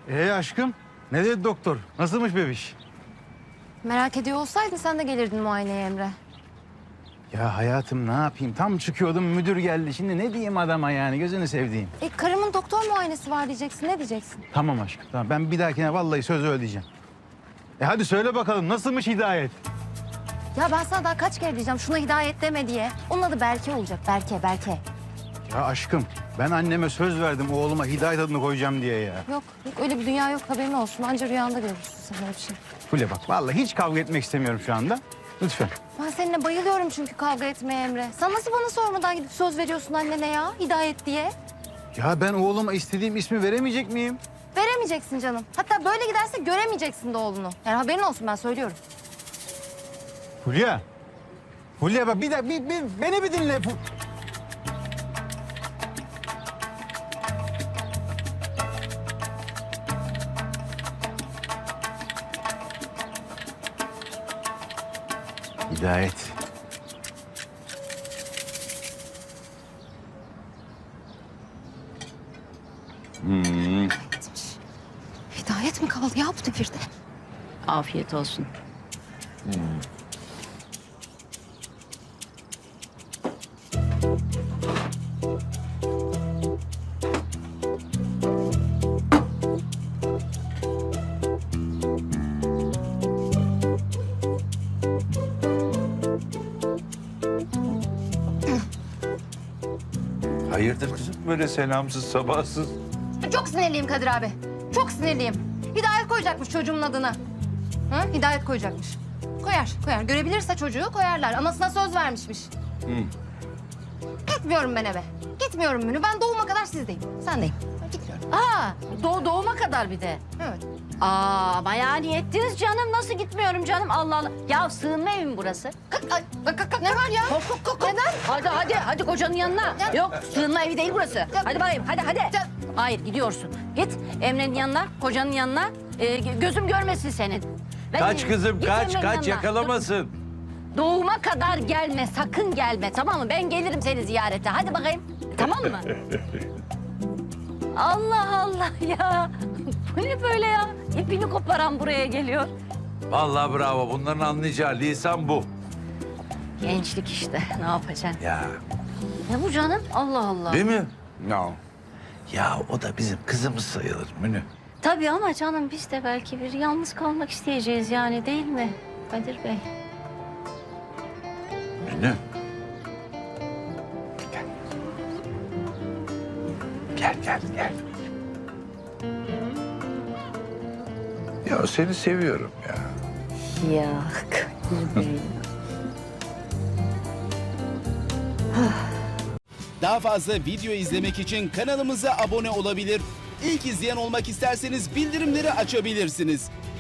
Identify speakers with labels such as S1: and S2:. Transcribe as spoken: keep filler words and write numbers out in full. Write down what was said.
S1: Ee aşkım, ne dedi doktor? Nasılmış bebiş?
S2: Merak ediyor olsaydın sen de gelirdin muayeneye Emre.
S1: Ya hayatım ne yapayım? Tam çıkıyordum müdür geldi. Şimdi ne diyeyim adama yani gözünü sevdiğim.
S2: E karımın doktor muayenesi var diyeceksin. Ne diyeceksin?
S1: Tamam aşkım tamam. Ben bir dahakine vallahi söz ödeyeceğim. E hadi söyle bakalım nasılmış Hidayet?
S2: Ya ben sana daha kaç kere diyeceğim şuna Hidayet deme diye. Onun adı Berke olacak. Berke, Berke.
S1: Ya aşkım ben anneme söz verdim oğluma Hidayet adını koyacağım diye ya.
S2: Yok, yok öyle bir dünya yok haberin olsun. Anca rüyanda görürsün sen öyle bir şey.
S1: Fule bak vallahi hiç kavga etmek istemiyorum şu anda. Lütfen.
S2: Ben seninle bayılıyorum çünkü kavga etmeye Emre. Sen nasıl bana sormadan gidip söz veriyorsun annene ya Hidayet diye?
S1: Ya ben oğluma istediğim ismi veremeyecek miyim?
S2: Veremeyeceksin canım. Hatta böyle giderse göremeyeceksin de oğlunu. Yani haberin olsun ben söylüyorum.
S1: Fulya. Fulya bak bir dakika bir, bir, beni bir dinle. Fu- Hidayet. Hmm.
S2: Hidayet mi kaldı ya bu devirde?
S3: Afiyet olsun.
S4: Hayırdır kızım böyle selamsız sabahsız?
S2: Çok sinirliyim Kadir abi. Çok sinirliyim. Hidayet koyacakmış çocuğumun adını. Hı? Hidayet koyacakmış. Koyar, koyar. Görebilirse çocuğu koyarlar. Anasına söz vermişmiş. Gitmiyorum ben eve. Gitmiyorum Münü. Ben doğuma kadar sizdeyim. Sendeyim. Ben gitmiyorum.
S3: Aa, doğ doğuma kadar bir de.
S2: Evet.
S3: Aa, bayağı niyettiniz canım. Nasıl gitmiyorum canım? Allah Allah. Ya sığınma evi mi burası?
S2: Kalk, ay, kalk, kalk, kalk. Ne var ya?
S3: Kalk, kalk, kalk, kalk.
S2: Neden?
S3: Hadi hadi hadi kocanın yanına.
S2: Ya-
S3: Yok, sığınma evi değil burası. Hadi bakayım, hadi hadi.
S2: Ya-
S3: Hayır, gidiyorsun. Git Emre'nin yanına, kocanın yanına. Ee, gözüm görmesin senin. Ben-
S4: Kaç kızım
S3: Git
S4: kaç
S3: Emre'nin
S4: kaç
S3: yanına.
S4: yakalamasın.
S3: Doğuma kadar gelme, sakın gelme, tamam mı? Ben gelirim seni ziyarete. Hadi bakayım, tamam mı? Allah Allah ya. Bu ne böyle ya? İpini koparan buraya geliyor.
S4: Vallahi bravo bunların anlayacağı lisan bu.
S3: Gençlik işte, ne yapacaksın?
S4: Ya
S3: Ne bu canım? Allah Allah.
S4: değil mi? No. Ya o da bizim kızımız sayılır Münü.
S3: Tabii ama canım biz de belki bir yalnız kalmak isteyeceğiz yani değil mi Kadir Bey?
S4: Münü. Gel. Gel gel gel. Ya seni seviyorum ya.
S3: Ya Kadir Bey.
S5: Daha fazla video izlemek için kanalımıza abone olabilir. İlk izleyen olmak isterseniz bildirimleri açabilirsiniz.